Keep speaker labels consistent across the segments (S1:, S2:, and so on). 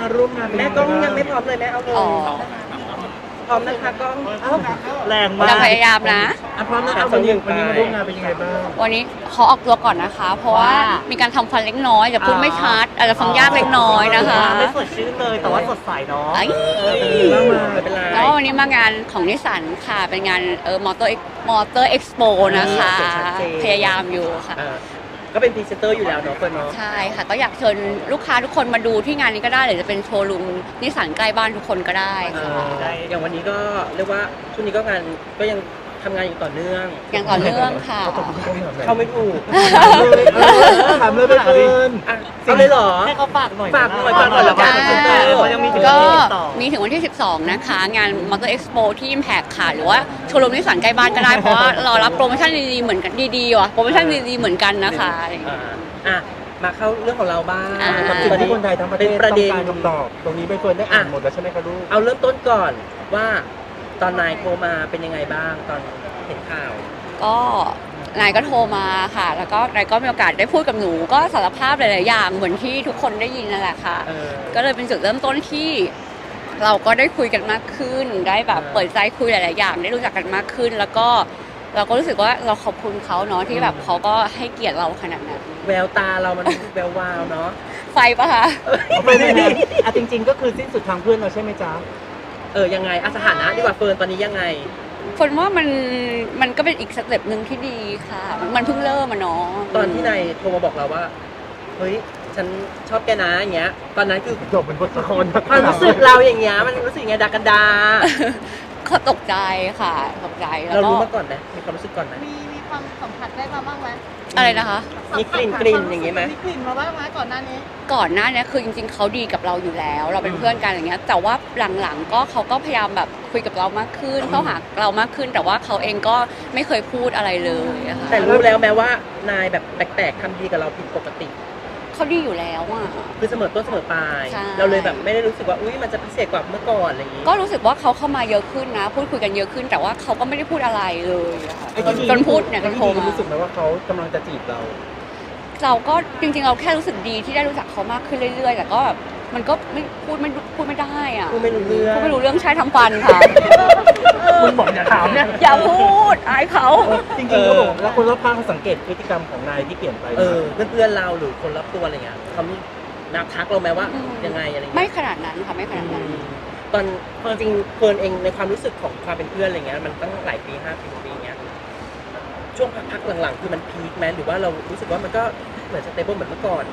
S1: ร่วมงานแม่กล้องยังไม่พร้อมเลยแม่เอาเลยพร้อมนะคะกล้องแรงมาก
S2: เราพยายามนะ
S1: พร้อมนะคะวันนี้มาร่วมงานเป็นยังไงบ้าง
S2: วันนี้ขอออกตัวก่อนนะคะ เพราะว่ามีการทำฟันเล็กน้อยจะพูดไม่ชัดอาจจะฟังยากเล็กน้อยนะคะ
S1: ไม่สดชื่นเลยแต่ว่าสดใสเนาะ
S2: แล้ววันนี้มางานของนิสสันค่ะเป็นงานมอเตอร์เอ็กซ์โปนะคะพยายามอยู่ค่ะ
S1: ก็เป็นพรีเซนเตอร์อยู่แล้วเนาะเฟิร์นเนาะ
S2: ใช่ค่ะก็อยากเชิญลูกค้าทุกคนมาดูที่งานนี้ก็ได้หรือจะเป็นโชว์รูมนิสสันใกล้บ้านทุกคนก็ได้ค่ะ
S1: อย่างวันนี้ก็เรียกว่าช่วงนี้ก็งานก็ยังทำงานอยู่ต่อเนื่อง
S2: อย่างต่อเนื่องค่ะ
S1: เข้าไม่ถูก
S3: ถามเลยไปเฟิร์น
S1: เอาเลยเหรอ
S3: ให้เขาฝากหน่อย
S1: แล้วกัน
S2: ก็มีถึงวันที่ 12 นะคะงาน Motor Expo ที่ Impact ค่ะหรือว่าโชว์รูมนิสสันใกล้บ้านก็ได้เพราะว่าเรารับโปรโมชั่นดีๆเหมือนกันดีๆว่ะโปรโมชั่นดีๆเหมือนกันนะคะ
S1: มาเข้าเรื่องของเราบ้าง
S3: ตอนนี้คนไทยทั้งประเทศต้องการคำตอบตรงนี้ไปเฟิร์นได้อ่านหมดแล้วใช่ไหมคะลูก
S1: เอาเริ่มต้นก่อนว่าตอนนายโทรมาเป็นยังไงบ้างตอนเห็นข่าว
S2: ก็นายก็โทรมาค่ะแล้วก็นายก็มีโอกาสได้พูดกับหนูก็สารภาพหลายๆอย่างเหมือนที่ทุกคนได้ยินนั่นแหละค่ะก็เลยเป็นจุดเริ่มต้นที่เราก็ได้คุยกันมากขึ้นได้แบบเปิดใจคุยหลายๆอย่างได้รู้จักกันมากขึ้นแล้วก็เราก็รู้สึกว่าเราขอบคุณเขาเนาะที่แบบเขาก็ให้เกียรติเราขนาดนั้น
S1: แววตาเรามันแวววาวเนาะ
S2: ไฟปะคะ
S3: ไม่ได้จริงๆก็คือสิ้นสุดทางเพื่อนเราใช่ไหมจ๊ะ
S1: ยังไงสถานะดีกว่าเฟิร์นตอนนี้ยังไง
S2: คนว่ามันก็เป็นอีกสเต็ปหนึ่งที่ดีค่ะมันเพิ่งเริ่มเนาะ
S1: ตอนที่นายโทรมาบอกเราว่าเฮ้ยฉันชอบแกนะอย่างเงี้ยตอนนั้นคือ
S3: จบเป็นบทละคร
S1: ความรู้สึกเราอย่างเงี้ยมันรู้สึกไงดากันดา
S2: เขาตกใจค่ะตกใจ
S1: แล้วเรารู้มาก่อนไหมมีความรู้สึกก่อนไหม
S4: มีความสัมผัสได้มาบ้างไหม
S2: อะไรนะคะ
S1: มีกลิ่นอย่างเงี้ยไหม
S4: มีกลิ่นมาบ้างไหมก่อนหน้านี้
S2: คือจริงๆเขาดีกับเราอยู่แล้วเราเป็นเพื่อนกันอย่างเงี้ยแต่ว่าหลังๆก็เขาก็พยายามแบบคุยกับเรามากขึ้นเข้าหาเรามากขึ้นแต่ว่าเขาเองก็ไม่เคยพูดอะไรเลยค่ะ
S1: แต่รู้แล้วแม้ว่านายแบบแปลกๆทำดีกับเราผิดปกติ
S2: เขาดีอยู่แล้วอ่ะ
S1: คือเสมอต้นเสมอปลายเราเลยแบบไม่ได้รู้สึกว่าอุ้ยมันจะพิเศษกว่าเมื่อก่อนอะไรอย่างงี้
S2: ก็รู้สึกว่าเขาเข้ามาเยอะขึ้นนะพูดคุยกันเยอะขึ้นแต่ว่าเขาก็ไม่ได้พูดอะไรเลยค่ะจนพูดเนี่ยจนโทรมา
S3: รู้สึกไหมว่าเขากำลังจะจีบเรา
S2: ก็จริงๆเราแค่รู้สึกดีที่ได้รู้จักเขามากขึ้นเรื่อยๆแต่ก็แบบมันก็ไม่พูดไม่ได้อ่ะ
S1: พูดไม่รู้เรื่อง
S2: ใช่ทำฟันค่ะ
S3: คุณบอกอย่าถามเนี่ย
S2: อย่าพูดอายเขา
S3: จริงๆก็บอกแล้วคนรอบข้างเขาสังเกตพฤติกรรมของนายที่เปลี่ยนไป
S1: เพื่อนเราหรือคนรอบตัวอะไรเงี้ยเขามีนับทักเราไหมว่ายังไงอะไรเงี้ย
S2: ไม่ขนาดนั้นค่ะไม่ขนาดนั้น
S1: ตอนจริงเฟิร์นเองในความรู้สึกของความเป็นเพื่อนอะไรเงี้ยมันตั้งหลายปี5 ปีเงี้ยช่วงพักหลังๆคือมันพีคไหมหรือว่าเรารู้สึกว่ามันก็เหมือนสเตเบิลเหมือนเมื่อก่อน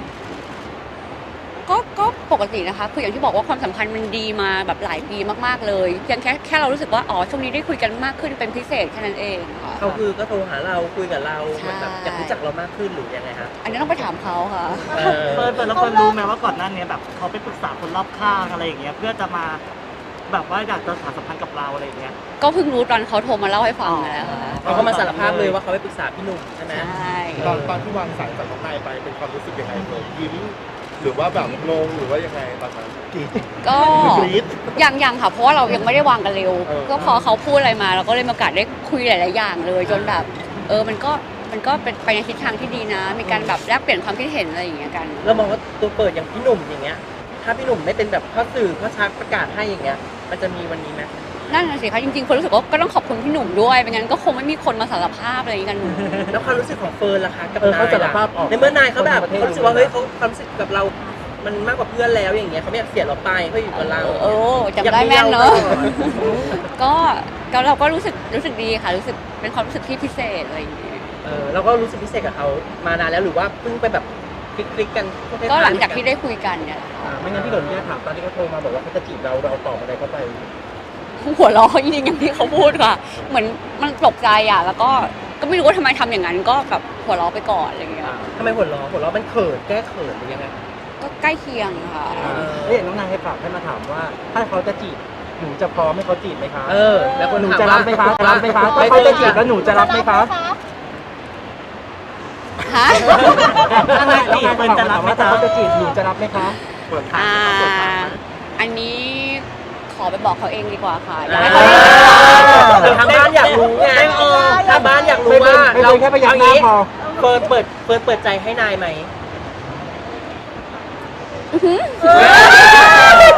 S2: ก็ปกตินะคะคืออย่างที่บอกว่าความสัมพันธ์มันดีมาแบบหลายปีมากๆเลยเพียงแค่เรารู้สึกว่าช่วงนี้ได้คุยกันมากขึ้นเป็นพิเศษแค่นั้นเองค่ะ
S1: เขาคือก็โทรหาเราคุยกับเราแบบอยากรู้จักเรามากขึ้นหรือยังไงคะ
S2: อันนี้ต้องไปถามเขาค่ะ
S3: เฟิร์นแล้วเฟิร์นรู้ไหมว่าก่อนหน้านี้แบบเขาไปปรึกษาคนรอบข้างอะไรอย่างเงี้ยเพื่อจะมาแบบว่าอยากจะสานสัมพันธ์กับเราอะไรอย่างเงี้ย
S2: ก็เพิ่งรู้ตอนเขาโทรมาเล่าให้ฟังแล้ว
S1: เขาก็มาสารภาพเลยว่าเขาไปปรึกษาพี่หนุ่มใช่ไหม
S2: ใช่
S3: ตอนที่วางสายจากน้องนายไปเป็นความรู้สึกยังไงเลยยิ้มหรือว่าแบบงงหรือว่ายังไงตอนนั้น
S2: ก็ยังค่ะเพราะว่าเรายังไม่ได้วางกันเร็วก็พอเขาพูดอะไรมาเราก็เลยมีโอกาสได้คุยหลายๆอย่างเลยจนแบบมันก็เป็นไปในทิศทางที่ดีนะมีการแบบแลกเปลี่ยนความคิดเห็นอะไรอย่างเงี้ยกัน
S1: เรามองว่าตัวเปิดอย่างพี่หนุ่มอย่างเงี้ยถ้าพี่หนุ่มไม่เป็นแบบพ่อสื่อพ่อชักประกาศให้อย่างเงี้ยมันจะมีวันนี้ไหม
S2: นั่นน่ะสิคะจริงๆคนรู้สึกว่าก็ต้องขอบคุณพี่หนุ่มด้วยไม่งั้นก็คงไม่มีคนมาสารภาพอะไรกัน
S1: แล้วความรู้สึกของเฟิร์นล่ะคะกับนายในเมื่อนายเขาแบบเขารู้สึกว่าเฮ้ยเขาความรู้สึกกับเรามันมากกว่าเพื่อนแล้วอย่างเงี้ยเขาไม่อยากเสียเราไปเขาอยู่กับเรา
S2: จำได้แม่นเนอะก็เราก็รู้สึกดีค่ะรู้สึกเป็นความรู้สึกที่พิเศษอะไรอย่างเงี้ย
S1: เราก็รู้สึกพิเศษกับเขามานานแล้วหรือว่าเพิ่งไปแบบคลิกกัน
S2: ก็หลังจากที่ได้คุยกันเนี่ย
S3: ไม่งั้นที่เกิดเนี่ยถามตอนที่เขาโทรมาบอกว่าเขาจะจีบเราตอบอะไรเข้าไป
S2: หัวเราะจริงๆอย่างที่เขาพูดค่ะเหมือนมันตกใจอ่ะแล้วก็ไม่รู้ว่าทำไมทำอย่างนั้นก็แบบหัวเราะไปก่อนอะไรอย่างเงี้ย
S1: ทำไมหัวเราะมันเขินแก้เขินหรือยังไง
S2: ก็ใกล้เคียงค่ะ
S3: แล้วอย่างน้องนายให้ฝากให้มาถามว่าถ้าเขาจะจีบหนูจะพร้อมให้เขาจีบไหมคะ
S1: แล้วคน
S3: หนูจะรับไหมคะรับไหมคะถ้าเขาจะจีบแล้วหนูจะรับไหมคะ
S2: ฮะ
S3: ถ้าไงจีบเป็นจะรับไหมคะเขาจะจีบหนูจะรับไหมคะ
S2: อันนี้ขอไปบอกเขาเองดีกว่าค่ะ
S1: ทางบ้านอยากรู้ไงทางบ้านอยากรู้ว่า
S3: เราแค่พยักหน้าพอ
S1: เปิดใจให้นายไหม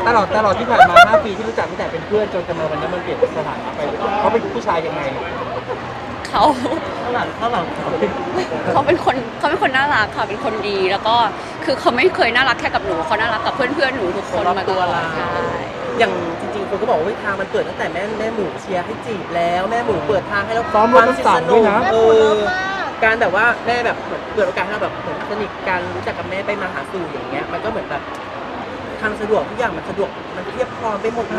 S5: ตลอดที่ผ่านมา5 ปีที่รู้จักตั้งแต่เป็นเพื่อนจนจะมาวันนี้มันเปลี่ยนสถานะไปเขาเป็นผู้ชายยังไง
S2: เขา
S3: ข้างหลังเขา
S2: เขาเป็นคนน่ารักค่ะเป็นคนดีแล้วก็คือเขาไม่เคยน่ารักแค่กับหนูเขาน่ารักกับเพื่อนหนูทุกคนมาตลอดใช่
S1: อย่างจริงๆคนก็บอกว่าทางมันเปิดตั้งแต่แม่หมูเชียร์ให้จีบแล้วแม่หมูเปิดทางให้เรา
S5: ซ้อมรถน้ำสั่งด้วยนะ
S4: แม่
S1: เอ
S4: ปูเลิ
S1: อ
S4: ฟมาก
S1: การแบบว่าแม่แบบเหมือนเปิดโอกาสให้เราแบบเหมือนสนิทกันรู้จักกับแม่ไปมาหาสู่อย่างเงี้ยมันก็เหมือนแบบทางสะดวกทุกอย่างมันสะดวกมันเทียบพร้อมไปหมดเลย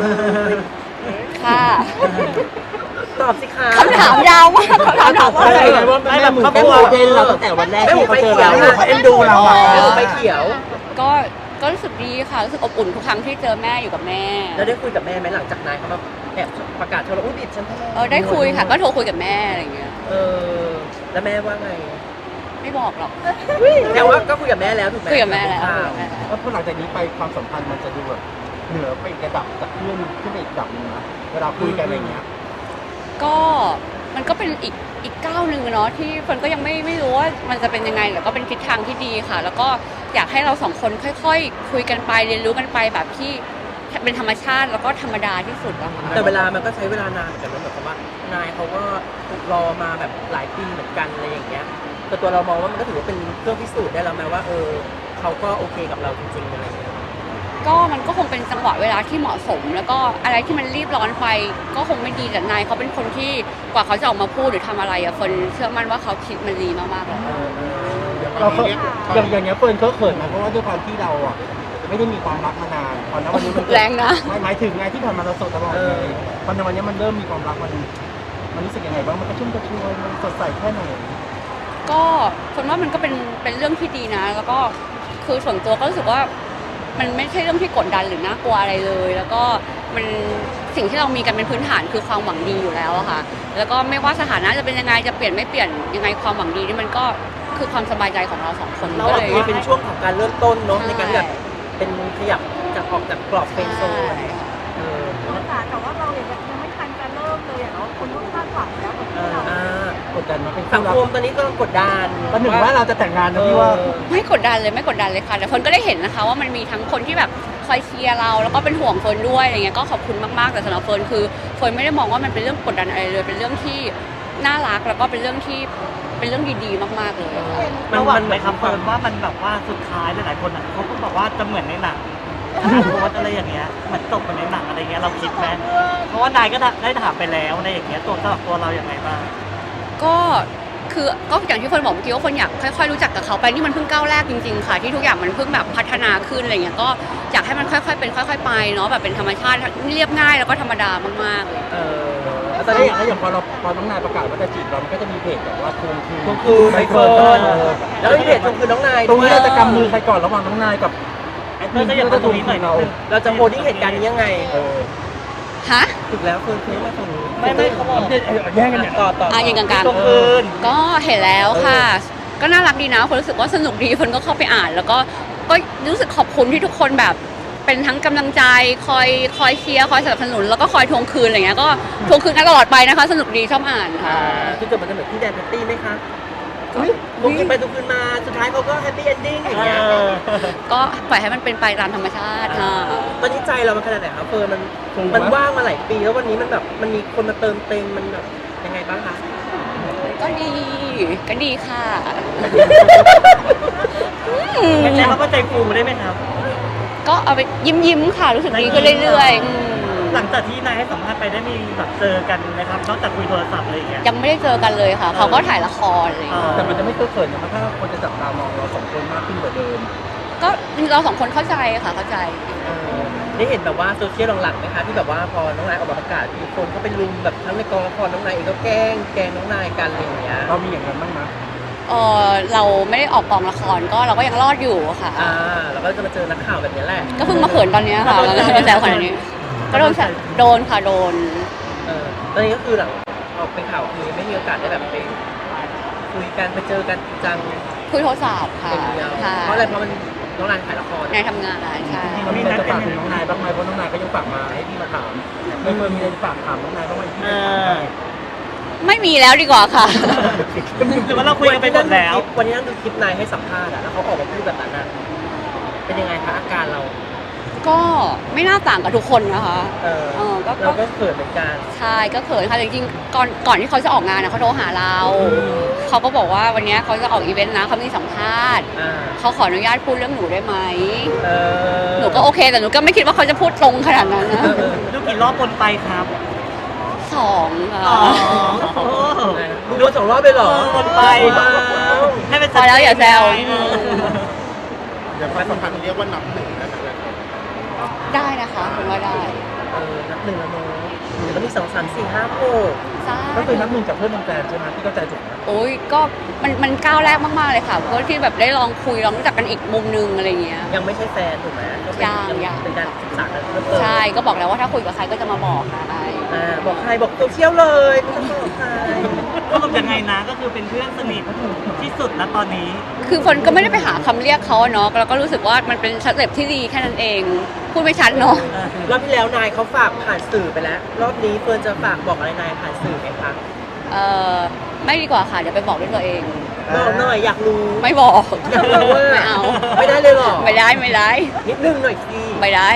S2: ค่ะ
S1: ตอบสิคะ
S2: คำถามยาวมากคำถามถามว่าอะไร
S5: ไงว่าแม่หมูเขาโมเดลเราตั้งแต่วันแรกที่เขาเจอเรา
S1: แม่หมูไฟเขียว
S5: เขาเอ็นดูเราอะ
S1: แม่หมูไฟเขียว
S2: ก็รู้สึกดีค่ะรู้สึกอบอุ่นทุกครั้งที่เจอแม่อยู่กับแม่
S1: แล้วได้คุยกับแม่ไหมหลังจากนายเขามาแอบประกาศโทรอุ้ยบิดฉันทำไม
S2: ได้คุยค่ะก็โทรคุยกับแม่อะไรอย่างเงี้ย
S1: แล้วแม่ว่าไง
S2: ไม่บอกหรอก
S1: แต่ว่าก็คุยกับแม่แล้วถูกไหม
S2: คุยกับแม่แล้ว
S1: อ่า
S5: แล้วพอหลังจากนี้ไปความสัมพันธ์มันจะดูแบบเหนือไปอีกระดับจากเพื่อนขึ้นไปอีกระดับหนึงนะเวลาคุยกันอะไรเงี้ย
S2: ก็มันก็เป็นอีกก้าวหนึ่งเนาะที่คนก็ยังไม่รู้ว่ามันจะเป็นยังไงแต่ก็เป็นทิศทางที่ดีค่ะ แล้วก็อยากให้เราสองคนค่อยๆคุยกันไปเรียนรู้กันไปแบบที่เป็นธรรมชาติแล้วก็ธรรมดาที่สุดอะค่ะ
S1: แต่เวลามันก็ใช้เวลานานเหมือนกันนะแบบว่านายเขาก็รอมาแบบหลายปีเหมือนกันอะไรอย่างเงี้ยแต่ตัวเรามองว่ามันก็ถือว่าเป็นเครื่องพิสูจน์ได้แล้วไหมว่าเขาก็โอเคกับเราจริงๆอะไรอย่างเงี้ย
S2: ก็มันก็คงเป็นจังหวะเวลาที่เหมาะสม แล้วก็อะไรที่มันรีบร้อนไปก็คงไม่ดีแต่นายเขาเป็นคนที่กว่าเขาจะออกมาพูดหรือทำอะไรอะคนเชื่อมั่นว่าเขาคิดมันดีมากๆเลย
S5: เราเคยอย่างเงี้ยเฟิร์นเขาเขินนะเพราะว่าด้วยความที่เราอ่ะไม่ได้มีความรักมานานตอนนั้นวันนี้มัน
S2: แรงนะ
S5: หมายถึงไงที่ผ่านมาเราโสดตลอดเลยตอนในวันนี้มันเริ่มมีความรักมันรู้สึกยังไงบ้างมันกระชุ่มกระชวยมันสดใสแค่ไหน
S2: ก็คนว่ามันก็เป็นเรื่องที่ดีนะ แล้วก็คือส่วนตัวก็รู้สึกว่ามันไม่ใช่เรื่องที่กดดันหรือน่ากลัวอะไรเลย แล้วก็มันสิ่งที่เรามีกันเป็นพื้นฐานคือความหวังดีอยู่แล้วอะค่ะ แล้วก็ไม่ว่าสถานะจะเป็นยังไงจะเปลี่ยนไม่เปลี่ยนยังไงความหวังดีนี่มันก็คือความสบายใจของเราสองคน
S1: เรา
S2: ก็
S1: อาจ
S2: เลย
S1: จะเป็นช่วงของการเริ่มต้นเนาะ
S2: ใช่
S1: ในการแบบเป็นขยับจากออกจากกรอบเฟรนด์โซนเออ
S4: แต่ว่าเรายังไม่ทันจะเริ่มเลยอะเนาะคนก็คาดหวังแล้วกับเรา
S1: อ่าก
S5: ดดันมาเป็น
S1: สังคมตอนนี้ก็กดดัน
S5: ตอนหนึ่งว่าเราจะแต่งงานนะพี่ว่า
S2: ไม่กดดันเลยไม่กดดันเลยค่ะแต่คนก็ได้เห็นนะคะว่ามันมีทั้งคนที่แบบคอยเชียร์เราแล้วก็เป็นห่วงเฟิร์นด้วยอะไรเงี้ยก็ขอบคุณมากๆแต่สำหรับเฟิร์นคือเฟิร์นไม่ได้มองว่ามันเป็นเรื่องกดดันอะไรเลยเป็นเรื่องที่น่ารักแล้วก็เป็นเรื่องที่เป็นเรื่องดีๆมากๆเลยค่ะ
S3: ระหว่างไหมครับเฟิร์นว่ามันแบบว่าสุดท้ายหลายๆคนอ่ะเขาก็บอกว่าจะเหมือนในหนังโพสอะไรอย่างเงี้ยเหมือนตกเหมือนในหนังอะไรเงี้ยเราคิดไหมเพราะว่านายก็ได้ถามไปแล้วในอย่างเงี้ยตัวสำหรับตัวเราอย่างไรบ้าง
S2: ก็คือก็อย่างที่เฟิร์นบอกเมื่อกี้ว่าคนอยากค่อยๆรู้จักกับเขาไปนี่มันเพิ่งก้าวแรกจริงๆค่ะที่ทุกอย่างมันเพิ่งแบบพัฒนาขึ้นอะไรเงี้ยก็อยากให้มันค่อยๆเป็นค่อย ๆ ไปเนาะแบบเป็นธรรมชาติเรียบง่ายแล้วก็ธรรมดามากๆเลย
S1: แล้วต
S5: ต
S1: อ
S5: อน น
S1: นี้
S5: นี้อย่างพอน้องนายประกาศว่าจะจีบเรามันก็จะมีเพจแบบว่าทวงคืน
S1: ทวงคืนใบเฟิร์นแล้วก็มีเพจทวงคืนน้องนาย
S5: ตรงนี้
S1: ด้วย
S5: เราจะกำมือใครก่อนระหว่างน้องนายกับแอดมินที่เราจะทวงคืนเรา
S1: เราจะโพสต์เหตุการณ์นี้ยังไง
S2: ฮะ
S1: ถูกแล้วเฟิร์นคือมาตรงนี้
S3: ไม่เขาบอก
S5: แย่งกันเนี่ย
S1: ต่อ
S2: ยิงกลาง
S3: ตรงคืน
S2: ๆก็เห็นแล้วค่ะ ก็น่ารักดีนะคนรู้สึกว่าสนุกดีคนก็เข้าไปอ่าน แล้วก็รู้สึกขอบคุณที่ทุกคนแบบเป็นทั้งกำลังใจคอยเชียร์คอยสนับสนุนแล้วก็คอยทวงคืนอะไรเงี้ยก็ทวงคืนกันตลอดไปนะคะ สนุกดีชอบอ่านค่ะ
S1: คือจะมันจะเหมือนพี่แดนแพตตี้ไหมคะทวงคืนไปทวงคืนมาสุดท้ายเขาก็แฮปปี้เอนดิ้งอย่างเงี้ย
S2: ก็ปล่อยให้มันเป็นไปตามธรรมชาติค่ะ
S1: ตอนนี้ใจเรามันขนาดไหนครับเฟิร์นมันว่างมาหลายปีแล้ววันนี้มันแบบมันมีคนมาเติมเต็มมันแบบยังไงบ้างคะ
S2: ก็ดีค่ะ
S3: งั้นใช้คำว่าใจฟูได้ไหมครับ
S2: ก็เอาไปยิ้มค่ะรู้สึกดีขึ้นเรื่อยๆ
S3: หลังจากที่นายให้สัมภาษณ์ไปได้มีแบบเจอกันไหมครับนอกจากคุยโทรศัพท์อะไรอย่างเงี้ย
S2: ยังไม่ได้เจอกันเลยค่ะ เขาก็ถ่ายละครอะไรอย่างเลย
S5: แต่มันจะไม่เขินนะถ้าคนจะจับตามองเราสองคนมากขึ้นกว่าเดิม
S2: ก็เราสองคนเข้าใจค่ะเข้าใจ
S1: ได้เห็นแบบว่าโซเชียลหลังๆไหมคะที่แบบว่าพอน้องนายออกมาประกาศมีคนเขาไปรุมแบบทั้งในกองละครน้องนายเองก็แกล้งน้องนายกันอะไรอย่างเงี้ย
S5: เรามีอย่างนั้นบ้างไหม
S2: เราไม่ได้ออกกองละครก็เราก็ยังรอดอยู่ค่ะ
S1: แล้วก็จะมาเจอนักข่าวแบบนี้แหละ
S2: ก็เพิ่งมาเขินตอนเนี้ยค่ะแล้วก็แซวขนาดนี้ ก็โดนค่ะโดน
S1: ตอนนี้ก็คือหลังออกเป็นข่าวคือไม่มีโอกาสได้แบบไปคุยกันไปเจอกันจริงจัง
S2: คุยโทรศัพท์ค่ะ
S1: อย่างเดียว
S2: ค่ะ
S1: เพราะอะไรเพราะมันน้องนายถ่ายละคร
S2: ในทำงานใช่
S5: เรามีอะไรจะฝากถึงน้องนายบ้างไหมเพราะน้องนายก็ยังฝากมาให้พี่มาถามไม่เคยมีอะไรจะฝากถามน้องนายบ้างไหมที่จะถามได้
S2: ไม่มีแล้วดีกว่าค่ะ
S3: หรือว่าเราคุยกันไปหมดแล้ว
S1: วันนี้นั่งดูคลิปนายให้สัมภาษณ์แล้วเขาออกมาพูดแบบนั้นเป็นยังไงคะอาการเรา
S2: ก็ไม่น่าต่างกับทุกคนนะคะ
S1: เออ
S2: ก็
S1: เราก็เขินเหมือนกัน
S2: ใช่ก็เขินค่ะจริงๆก่อนที่เขาจะออกงานนะเขาโทรหาเราเขาก็บอกว่าวันนี้เขาจะออกอีเวนต์นะเขามีสัมภาษณ์
S1: อ่า
S2: เขาขออนุญาตพูดเรื่องหนูได้ไหม
S1: เออ
S2: หนูก็โอเคแต่หนูก็ไม่คิดว่าเขาจะพูดตรงขนาดนั้นนะ
S3: ดูกี่รอบบนไปครับ
S2: 2ค่ะ
S3: อ๋อโอ้
S1: ดูมา2 รอบเลยเหรอ
S3: วนไป
S1: ว้าว
S3: ให้เป็น
S2: พอแล้วอย่าแซว
S6: เดี๋ยวความสัมพันธ์เรียกว่านับหนึ่งได้ไหมเลย
S2: ได้นะคะคุณว่าได้
S1: นับ1แล้วเนอะเดี๋ยวก็มี2 3 4 5
S2: ใช่
S5: ก็คือนับหนึ่งจากเพื่อนเป็นแฟนใช่ไหมที่เข้าใจถูกไหม
S2: โอ้ยก็มันก้าวแรกมากๆเลยค่ะเพราะที่แบบได้ลองคุยลองรู้จักกันอีกมุมนึงอะไรเงี้ย
S1: 6ยังไม่ใช่แฟนถูกไหมก็เป็น
S2: ยัง
S1: เป็นการศึกษากันเพิ่มเติม
S2: ใช่ก็บอกแล้วว่าถ้าคุยกับใครก็จะมาบอกค่ะ
S1: บอกใครบอกโซเชียลเลยไม่ต้องบอกใคร
S3: ก็คือยังไงนะก็คือเป็นเพื่อนสนิทที่สุดนะตอนนี้
S2: คือคนก็ไม่ได้ไปหาคำเรียกเขาอะเนาะแล้วก็รู้สึกว่ามันเป็นสเต็ปที่ดีแค่นั้นเอง พูดไม่ชัดเนาะ
S1: รอบที่แล้วนายเขาฝากผ่านสื่อไปแล้ว รอบนี้เฟิร์นจะฝากบอกอะไรนายผ่านสื่อไหมคะ
S2: ไม่ดีกว่าค่ะเดี๋ยวไปบอกด้วยตัวเอง
S1: บอกหน่อยอยากรู้
S2: ไม่บอก
S1: อยากรู้ว่า
S2: ไม่เอา
S1: ไม่ได้เลยเหรอ
S2: ไม่ได้
S1: นิดนึงหน่อยสิ
S2: ไม่ได้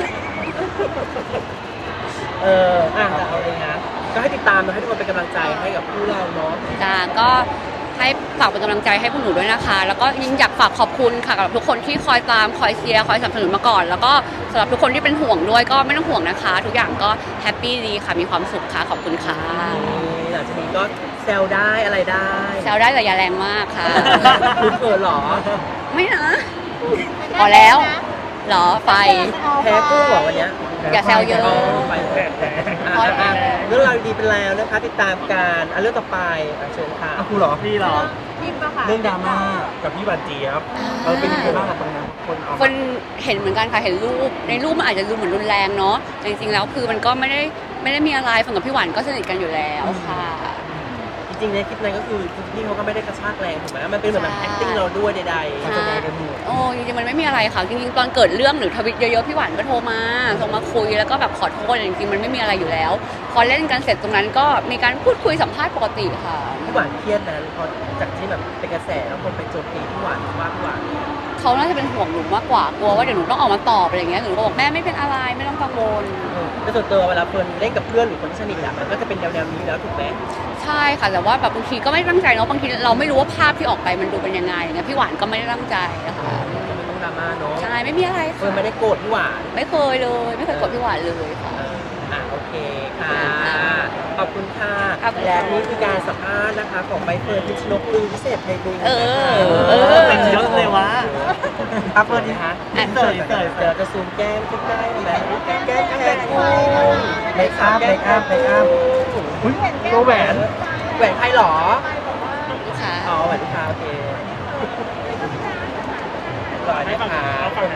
S1: แต่เอาเลยนะก็ให้ติดตามนะให้ทุกคนเป็นกำลังใจให้กับคู่เราเนาะ
S2: จ้าก็ให้ฝากเป็นกำลังใจให้พวกหนูด้วยนะคะ แล้วก็ยิ่งอยากฝากขอบคุณค่ะกับทุกคนที่คอยตามคอยเชียร์คอยสนับสนุนมาก่อน แล้วก็สำหรับทุกคนที่เป็นห่วงด้วยก็ไม่ต้องห่วงนะคะ ทุกอย่างก็แฮปปี้ดีค่ะมีความสุขค่ะขอบคุณค่ะ
S1: หลังจากนี้ก็แซวได้อะไรได้
S2: แซวได้แต่อย่าแรงมากค่ะ
S1: คุณเฟิร์นเหรอ
S2: ไม่นะ พอแล้วเหรอไฟ
S1: แพ้กุ้งเหรอวันเนี้ย
S2: อย่าแซวเยอะ
S1: ไปเรื่องราวดีเป็นแล้วนะคะ ติดตามการเรื่องต่อไปเชิญค่ะ
S5: ครูเหรอ
S3: พี่เหรอ
S4: พิมพ์มาค่ะ
S5: เรื่องดราม่ากับพี่หวานเจี๊ยบเป็นยังไงบ้างกับตรงนั้นคนเอา
S2: คนเห็นเหมือนกันค่ะเห็นรูปในรูปมันอาจจะดูเหมือนรุนแรงเนาะแต่จริงๆแล้วคือมันก็ไม่ได้มีอะไรฟังกับพี่หวานก็สนิทกันอยู่แล้วค่ะ
S1: จริงๆในคลิปนั้นก็คือพี่เขาก็ไม่ได้กระชากแรงถูกไหมมันเป็นเหมือนแบบ acting เราด้วยใด
S5: มันแสดงกันหมด
S2: โอ้จริงๆมันไม่มีอะไรค่ะจริงๆตอนเกิดเรื่องหรือทวิตเยอะๆพี่หวานก็โทรมาส่งมาคุยแล้วก็แบบขอโทษจริงๆมันไม่มีอะไรอยู่แล้ว พอเล่นกันเสร็จตรงนั้นก็มีการพูดคุยสัมภาษณ์ปกติค่ะ
S1: ๆพี่หวานเครียดนะพอจากที่แบบเป็นกระแสแล้วคนไปโจมตีพี่หวานว่าพี่หวาน
S2: เขาน่าจะเป็นห่วงหนูมากกว่ากลัวว่าเดี๋ยวหนูต้องออกมาตอบอะไรอย่างเงี้ยหนูก็บอกแม่ไม่เป็นอะไรไม่ต้องกังวล
S1: แต่ส่วนตัวเวลาเฟิร์นเล่นกับเพื่อนหรือคนที่สนิทอะมันก็จะเป็นแนวๆนี้แล้วถูกไหม
S2: ใช่ค่ะแต่ว่าแบบบางทีก็ไม่ตั้งใจเนาะบางทีเราไม่รู้ว่าภาพที่ออกไปมันดูเป็นยังไงอย่างเงี้ยพี่หวานก็ไม่ได้ตั้งใจนะคะ
S1: ก็ไม่ต้องดราม่าเนาะ
S2: ใช่ไม่มีอะไร
S1: เฟิร์
S2: ค่ะ
S1: นไม่ได้โกรธพี่หวาน
S2: ไม่เคยเลยไม่เคยกดพี่หวานเลยค่ะ
S1: โอเคค่ะ ขอบคุณค่ะ
S2: ขอบคุณ
S1: และนี่คือการสัมภาษณ์นะคะของใบเฟิร์นพิชนกลือพิเศษในดู
S2: เออ
S3: เป็นเยอะเลยวะ
S1: อัพเฟิร์นดีคะ
S3: เสย
S1: เดี๋ยวจะซูมแก้มใกล้ๆนะแก้มแก้มกุ้งเมคอัพเมคอัพเมคอัพ
S5: อุ๊ยตัวแหวน
S1: แหวนใครหรอ
S2: ลูกค้า
S1: อ๋อแหวนลูกค้าโอเคร้อยนะคะ